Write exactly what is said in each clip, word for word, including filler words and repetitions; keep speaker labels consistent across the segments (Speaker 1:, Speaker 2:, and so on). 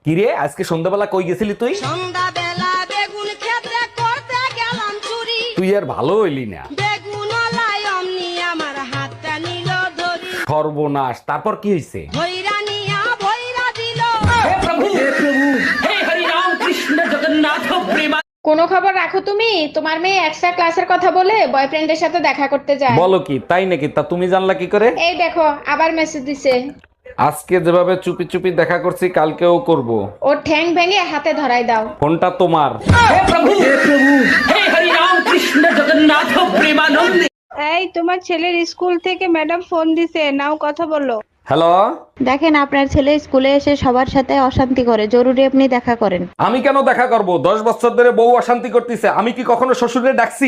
Speaker 1: কিরে আজকে সন্ধ্যাবেলা কই গেছিলি তুই?
Speaker 2: সন্ধ্যাবেলা বেগুন ক্ষেত্রে করতে গেলাম চুরি।
Speaker 1: তুই আর ভালো হইলি না।
Speaker 2: বেগুন আলাই অমনি আমার হাতটা নিল ধরি।
Speaker 1: সর্বনাশ, তারপর কি হইছে?
Speaker 2: ভৈরা নিয়া ভৈরা দিল।
Speaker 3: কোনো খবর রাখো তুমি? তোমার মেয়ে এক্সট্রা ক্লাসের কথা বলে বয়ফ্রেন্ডের সাথে দেখা করতে যায়।
Speaker 1: বলো কি, তাই নাকি? তা তুমি জানলা কি করে?
Speaker 3: এই দেখো আবার মেসেজ দিছে।
Speaker 1: আজকে যেভাবে চুপি চুপি দেখা করছি কালকেও করব।
Speaker 3: ওর ঠ্যাং ভেঙে হাতে ধরাই দাও।
Speaker 1: ফোনটা তোমার।
Speaker 4: এই তোমার ছেলের স্কুল থেকে ম্যাডাম ফোন দিছে, নাও কথা বলো।
Speaker 1: হ্যালো,
Speaker 5: দেখেন আপনার ছেলে স্কুলে এসে সবার সাথে অশান্তি করে, জরুরি আপনি দেখা করেন।
Speaker 1: আমি কেন দেখা করব? দশ বছর ধরে বউ অশান্তি করতেছে, আমি কি কখনো শ্বশুরে ডাকছি?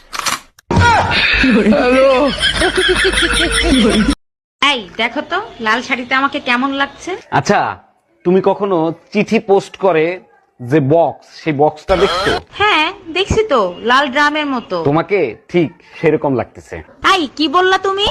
Speaker 6: এই দেখো তো লাল শাড়িতে আমাকে কেমন লাগছে।
Speaker 1: আচ্ছা, তুমি কখনো চিঠি পোস্ট করে যে বক্স, সেই বক্সটা দেখছো?
Speaker 6: হ্যাঁ দেখছি তো, লাল ড্রামের মতো।
Speaker 1: তোমাকে ঠিক সেরকম লাগতেছে।
Speaker 6: তাই কি বললা তুমি?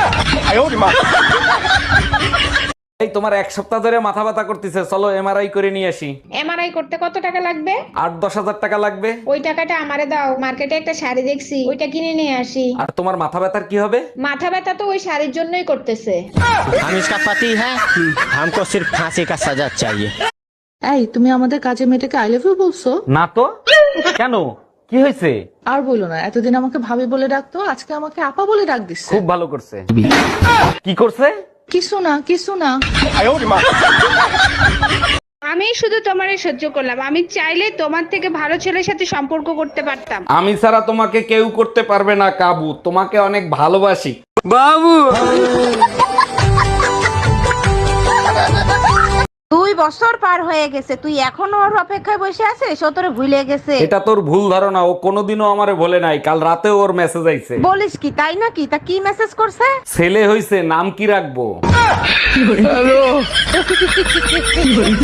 Speaker 1: এই তোমার এক সপ্তাহ ধরে মাথা ব্যথা করতেছে, চলো এমআরআই করে নিয়ে আসি।
Speaker 3: এমআরআই করতে কত টাকা লাগবে?
Speaker 1: আট দশ হাজার টাকা লাগবে।
Speaker 3: ওই টাকাটা আমারে দাও, মার্কেটে একটা শাড়ি দেখছি, ওইটা কিনে নিয়ে আসি।
Speaker 1: আর তোমার মাথা ব্যথার কি হবে?
Speaker 3: মাথা ব্যথা তো ওই শাড়ির জন্যই করতেছে।
Speaker 7: हम इसका पति है, हमको सिर्फ फांसी का सजा चाहिए।
Speaker 8: এই তুমি আমাদের কাজে মেয়েটাকে আই লাভ ইউ বলছো?
Speaker 1: না তো, কেন, কি হয়েছে?
Speaker 8: আর বলো না, এতদিন আমাকে ভাবি বলে ডাকতো, আজকে আমাকে আপা বলে ডাক দিচ্ছে।
Speaker 1: খুব ভালো করছে। কি করছে?
Speaker 8: কিছু না কিছু না।
Speaker 4: আমি শুধু তোমারে সহ্য করলাম, আমি চাইলে তোমার থেকে ভালো ছেলের সাথে সম্পর্ক করতে পারতাম।
Speaker 1: আমি ছাড়া তোমাকে কেউ করতে পারবে না কাবু, তোমাকে অনেক ভালোবাসি।
Speaker 6: দুই বছর পার হয়ে গেছে, তুই এখনো ওর অপেক্ষায় বসে আছিস? ও তোরে ভুলে গেছে?
Speaker 1: এটা তোর ভুল ধারণা, ও কোনোদিনও আমারে বলে নাই। কাল রাতে ওর মেসেজ আইছে।
Speaker 6: বলিস কি, তাই নাকি? তা কি মেসেজ করছে?
Speaker 1: ছেলে হইছে, নাম কি রাখবো?